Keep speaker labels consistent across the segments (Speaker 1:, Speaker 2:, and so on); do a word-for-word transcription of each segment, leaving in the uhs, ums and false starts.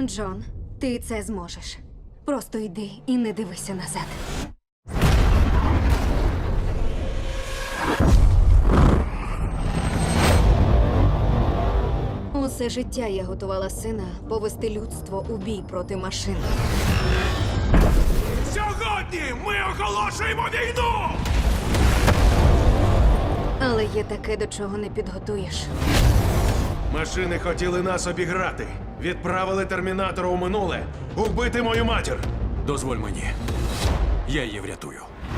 Speaker 1: Джон, ти це зможеш. Просто йди і не дивися назад. Усе життя я готувала сина повести людство у бій проти машин.
Speaker 2: Сьогодні ми оголошуємо війну!
Speaker 1: Але є таке, до чого не підготуєш.
Speaker 2: Машини хотіли нас обіграти. Відправили термінатора у минуле. Убити мою матір.
Speaker 3: Дозволь мені. Я її врятую.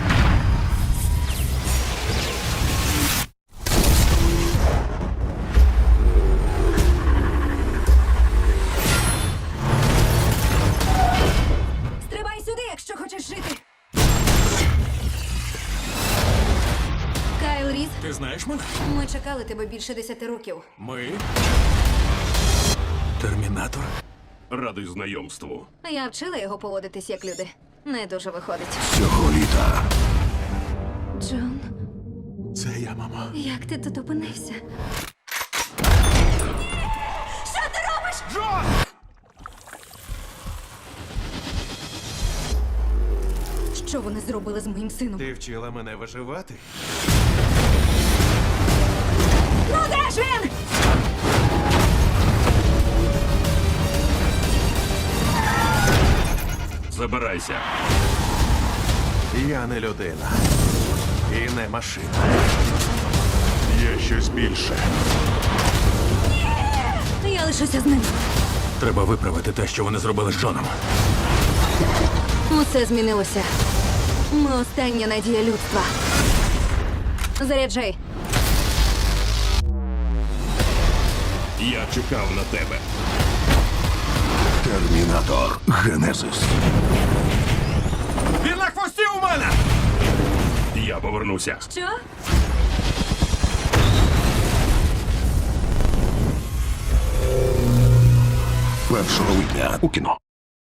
Speaker 1: Стрибай сюди, якщо хочеш жити. Кайл Різ,
Speaker 3: Ти знаєш мене?
Speaker 1: ми чекали тебе більше десяти років.
Speaker 3: Ми. Термінатор.
Speaker 2: Радий знайомству.
Speaker 1: Я вчила його поводитись як люди. Не дуже виходить.
Speaker 3: Цього літа.
Speaker 1: Джон,
Speaker 3: Це я, мама.
Speaker 1: як ти тут опинився? Що ти робиш?
Speaker 2: Джон!
Speaker 1: Що вони зробили з моїм сином?
Speaker 2: Ти вчила мене виживати?
Speaker 1: Ну де ж він?
Speaker 2: Забирайся. Я не людина. І не машина. Є щось більше.
Speaker 1: Я лишуся з ним.
Speaker 3: Треба виправити те, що вони зробили з Джоном.
Speaker 1: Усе змінилося. Ми остання надія людства. Заряджай.
Speaker 2: Я чекав на тебе.
Speaker 3: Термінатор Генезис.
Speaker 2: Він на хвості у мене! Я повернуся.
Speaker 1: Що?
Speaker 3: Першого липня у кіно.